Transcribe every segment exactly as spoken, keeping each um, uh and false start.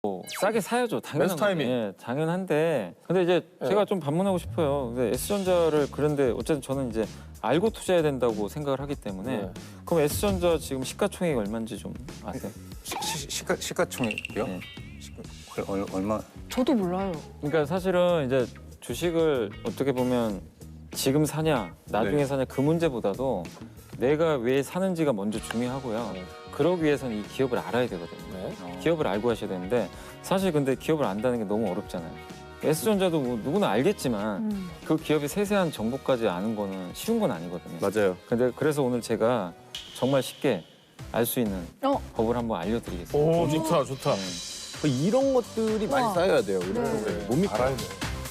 뭐 싸게 사야죠. 당연한 베스트 타이밍. 거죠. 예, 당연한데 근데 이제 예. 제가 좀 반문하고 싶어요. 근데 S전자를 그런데 어쨌든 저는 이제 알고 투자해야 된다고 생각을 하기 때문에 네. 그럼 S전자 지금 시가총액이 얼마인지 좀 아세요? 시, 시, 시가 시가총액이요? 네. 시가, 얼, 얼마? 저도 몰라요. 그러니까 사실은 이제 주식을 어떻게 보면 지금 사냐 나중에 네. 사냐 그 문제보다도 내가 왜 사는지가 먼저 중요하고요. 네. 그러기 위해서는 이 기업을 알아야 되거든요. 네. 어. 기업을 알고 하셔야 되는데 사실 근데 기업을 안다는 게 너무 어렵잖아요. S전자도 뭐 누구나 알겠지만 음. 그 기업의 세세한 정보까지 아는 거는 쉬운 건 아니거든요. 맞아요. 근데 그래서 오늘 제가 정말 쉽게 알 수 있는 어. 법을 한번 알려드리겠습니다. 오 좋다 좋다. 네. 이런 것들이 많이 우와. 쌓여야 돼요. 이런 네. 것들. 못 믿고. 알아야 돼.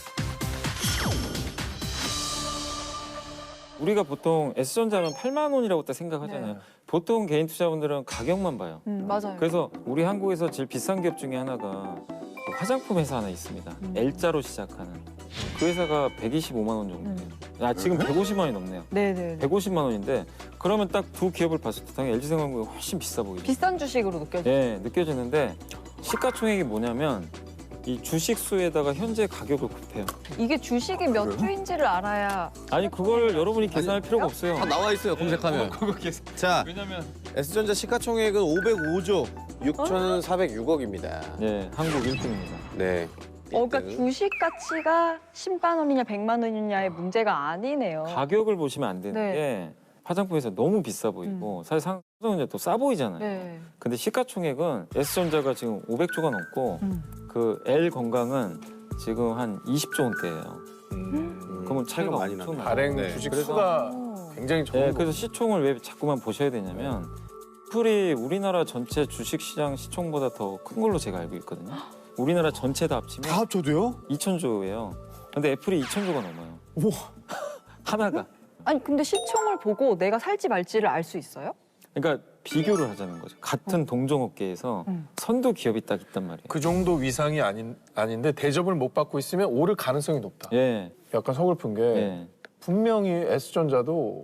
우리가 보통 S전자면 팔만 원이라고 딱 생각하잖아요. 네. 보통 개인 투자분들은 가격만 봐요. 음, 맞아요. 그래서 우리 한국에서 제일 비싼 기업 중에 하나가 그 화장품 회사 하나 있습니다. 음. L자로 시작하는. 그 회사가 백이십오만 원 정도 돼요. 아, 지금 백오십만 원이 넘네요. 네네. 백오십만 원인데 그러면 딱 두 기업을 봤을 때 당연히 엘지생활금이 훨씬 비싸 보이죠. 비싼 주식으로 느껴져요. 예, 느껴지는데 시가총액이 뭐냐면 이 주식 수에다가 현재 가격을 곱해요. 이게 주식이 몇 주인지를 알아야. 아니 그걸 여러분이 계산할 필요가 없어요. 다 나와 있어요. 검색하면. 그거 계산. 자, 왜냐면 S전자 시가총액은 오백오조 육천사백육억입니다. 네, 한국 일 등입니다. 네. 어, 그러니까 일 등. 주식 가치가 십만 원이냐 백만 원이냐의 문제가 아니네요. 가격을 보시면 안 되는 네. 게 화장품에서 너무 비싸 보이고 사실 삼성전자 또 싸 보이잖아요. 네. 근데 시가총액은 S전자가 지금 오백조가 넘고 음. 그 L 건강은 지금 한 이십조 원대예요. 음, 그러면 차이가 많이 엄청 나네. 나요. 발행 네. 주식 그래서- 수가 오. 굉장히 좋은 네, 거. 그래서 시총을 왜 자꾸만 보셔야 되냐면 애플이 우리나라 전체 주식시장 시총보다 더 큰 걸로 제가 알고 있거든요. 우리나라 전체 다 합치면 합쳐도요? 이천조예요. 근데 애플이 이천조가 넘어요. 우와. 하나가. 아니 근데 시총을 보고 내가 살지 말지를 알 수 있어요? 그러니까 비교를 하자는 거죠. 같은 동종업계에서 음. 선두 기업이 딱 있단 말이에요. 그 정도 위상이 아닌 아닌데 대접을 못 받고 있으면 오를 가능성이 높다. 예, 약간 서글픈 게 예. 분명히 S전자도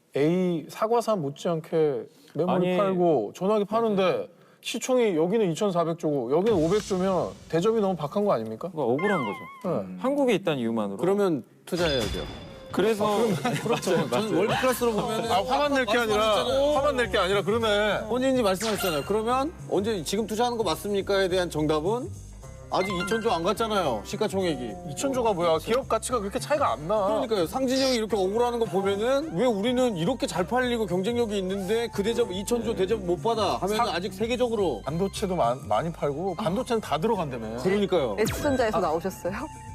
A 사과산 못지않게 메모리 아니, 팔고 전화기 파는데 시총이 여기는 이천사백조고 여기는 오백조면 대접이 너무 박한 거 아닙니까? 그거 억울한 거죠. 네. 한국에 있다는 이유만으로. 그러면 투자해야 돼요. 그래서 그렇죠. 저는 월드클래스로 보면 아 화만 낼 게 아니라 화만 낼 게 아니라 그러네. 본인이 말씀하셨잖아요. 그러면 언제 지금 투자하는 거 맞습니까에 대한 정답은 아직 이천조 안 갔잖아요. 시가총액이. 이천조가 뭐야? 기업 가치가 그렇게 차이가 안 나. 그러니까요. 상진이 형이 이렇게 억울하는 거 보면은 왜 우리는 이렇게 잘 팔리고 경쟁력이 있는데 그 대접 이천조 대접 못 받아 하면 상- 아직 세계적으로 반도체도 마- 많이 팔고 반도체는 다 들어간다며. 그러니까요. S전자에서 나오셨어요?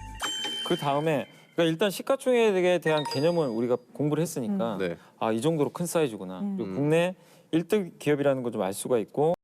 그 다음에 그러니까 일단 시가총액에 대한 개념을 우리가 공부를 했으니까 네. 아, 이 정도로 큰 사이즈구나. 음. 그리고 국내 일 등 기업이라는 걸 좀 알 수가 있고